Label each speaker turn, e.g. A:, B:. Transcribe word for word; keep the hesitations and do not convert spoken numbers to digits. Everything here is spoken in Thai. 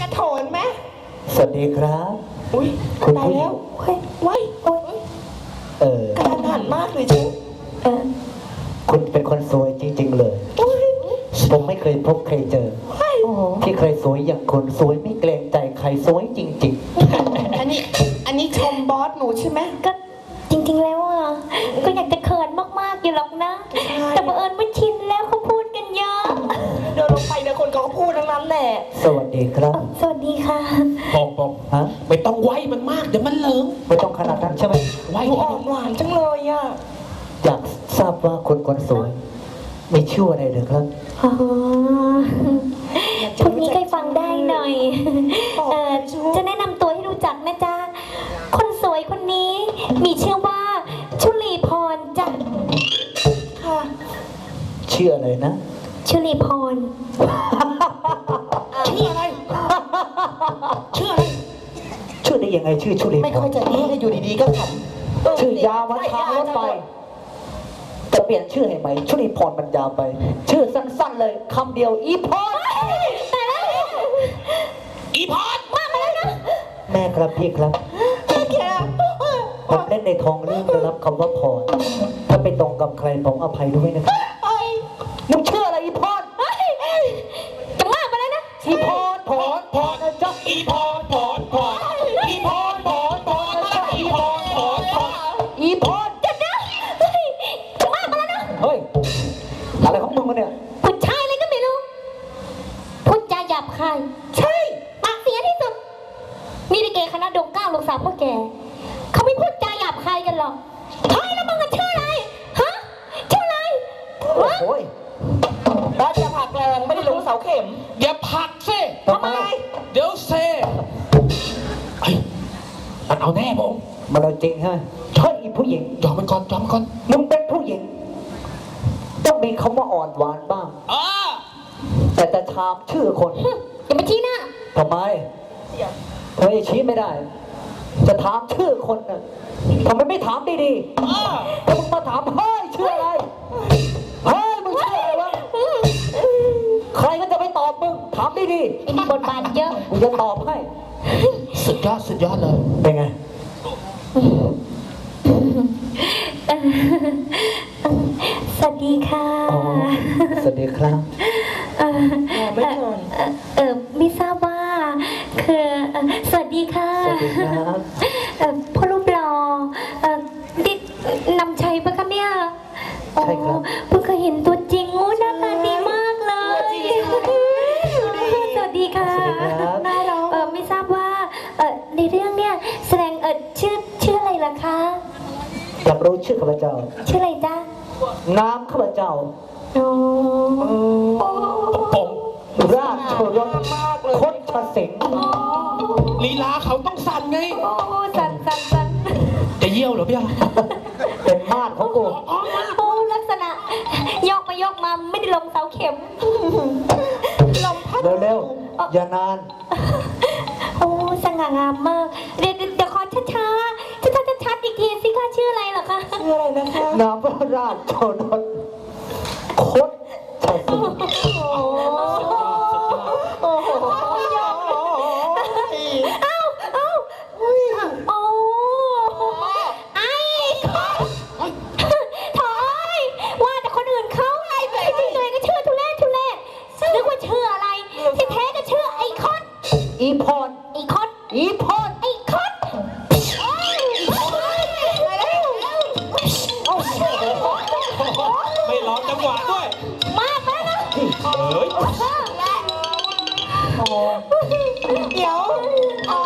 A: ระโถนไหม
B: สวัสดีครับ
A: อุ้ยตายแล้วเฮ้ยไว้โอ้ย
B: เออ
A: การหันมากเลยฉันเออ
B: คุณเป็นคนสวยจริงๆเลยผมไม่เคยพบเคยเจอที่เคยสวยอย่างคุณสวยไม่เกรงใจใครสวยจริง
A: ๆอันนี้อันนี้ชมบอสหนูใช่ไหม
C: ก็จริงๆแล้วอ่ะก็อยากจะเขินมากๆอยู่หรอกนะแต่บังเอิญไม่ชินแล้วเขาพูดกันเยอะ
A: เดินลงไปเดี๋ยวคนเขาก็พูดทั้งนั้นแหละ
B: สวัสดีครับ
C: สวัสดีค่ะ
D: ปองปอง
B: ฮะ
D: ไม่ต้องไหวมันมากเดี๋ยวมันเหลิง
B: ไม่ต้องขนาดนั้นใช่ไหม
D: ไหว
A: อ่อนหวานจังเลยอ่ะ
B: อยากทราบว่าคนคนสวยมีชื่ออะไรหรือครับ
C: อ๋อชุดนี้ใครฟังได้หน่อยเอ่อจะแนะนำตัวให้รู้จักนะจ๊ะคนสวยคนนี้มีชื่อว่าชุลีพรจ้ะ
A: ค่ะ
B: ชื่ออะไรนะ
C: ชุลีพร
A: ชื่ออะไรชื่ออะไร
B: ชื่อได้ยังไงชื่อชุลีพร
A: ไม่ค่อยจะดีอยู่ดีๆก็ข
B: ำชื่อยาววันทางรถไฟจะเปลี่ยนชื่อให้ไหมชุลีพรมันยาวไปชื่อสั้นๆเลยคำเดียวอีพร
C: แต่แล้ว
D: อีพร
C: มากมาแล้วนะ
B: แม่ครับพี่ครับ
A: แก
B: ผมเล่นในทองเรื่องได้รับคำว่าพรถ้าไปตรงกับใครผมอภัยด้วยนะครับมึงชื่ออะไรอีพร
C: จะมากมาแล้วนะ
B: อีพรพรพรนะจ๊ะ
D: อีพรพรพรอีพรพรพรอีพรพรพร
B: อีพร
C: จะนะจะมากมาแล้วนะ
B: เฮ้ยอะไรของมึงวะเนี่ย
C: ผู้ชายอะไรก็ไม่รู้พูดจาหยาบคายใช่ปากเสียที่สุดมีลิเกคณะดงเก้าลูกสาวพ่อแกเขาไม่พูดจาหยาบคายกันหรอกเฮ้ยแล้วมึงกันชื่ออะไรฮะชื่ออะไร
B: โอ้ย
A: บ้านจะผักแรงไม่ได้ลงเสาเข็ม
D: อย่าผักซิ
A: ทำไม
D: เดี๋ยวเซไอ้มันเอาแน่ผม
B: มันเอาจริงฮะใช่อีผู้หญิง
D: ยอมมันก่อนยอมมันก่อน
B: มึงเป็นผู้หญิงต้องมีคำว่าอ่อนหวานบ้าง
D: เออ
B: แต่จะถามชื่อคน
C: อย่ามาชี้หน้า
B: ทำไมเธอจะชี้ไม่ได้จะถามชื่อคนน่ะทำไมไม่ถามดีๆถ้ามึงมาถามเฮ้ยชื่ออะไรเฮ้ยมึงชื่ออะไรวะใครก็จะไม่ตอบมึงถามดีๆ
C: ไอ้นี่บทบาทเยอะ
B: กูจะตอบให้
D: สุดยอดสุดยอดเลย
B: เป็นไง
C: สวัสดีค่ะ
B: สวัสดีครับ
C: เออไม่เออไม่ทราบว่าคือสวัสดีค่ะ
B: สวัสดีครับ
C: เออพ่อรูปหล่อเออดินำชัยปะคะเนี่ย
B: ใช่ครับ
C: เพิ่งเคยเห็นตัวจริงโอ้หน้าตาดีมากเลยสวัสดีค่ะน่ารักเออไม่ทราบว่าเออในเรื่องเนี่ยแสดงเออชื่อชื่ออะไรล่ะคะ
B: อยากรู้ชื่อข้าพเจ้า
C: ชื่ออะไรจ๊ะ
B: นามข้าพเจ้า
C: โอ้
D: ผม
B: ราชโชรสคดชสิงห์
D: ลีลาเขาต้องสั่นไง
C: โอ้สั่นสั่นสั่น
D: จะเยี่ยวเหรอพี่
B: เป็นมาดของกู
C: โอ้ลักษณะยกมายกมาไม่ได้ลงเสาเข็ม
A: ลมพัด
B: เร็วๆอย่านาน
C: โอ้สง่างามมากเดี๋ยวเดี๋ยวขอช้าช้าช้าช้าชัดอีกทีสิคะชื่ออะไรเหรอคะ
A: ชื่ออะไรนะคะ
B: นามพระราชโชรสคดชสิงห์
A: โอ้โห
C: เอ้าเอ้าโอ้ไอ้ถอยว่าแต่คนอื่นเขาไอ้ที่ตัวเองก็ชื่อทุเรศทุเรศนึกว่าชื่ออะไรที่แท้ก็ชื่อไอ้คอน
B: อีพร
C: ไอ้คอน
B: อีพร
C: ไอ้คอน
D: ไม่ร้องจังหวะด้วย
C: มากแล้วนะ
D: เฮ้ย
A: เดี๋ยวอ๋อ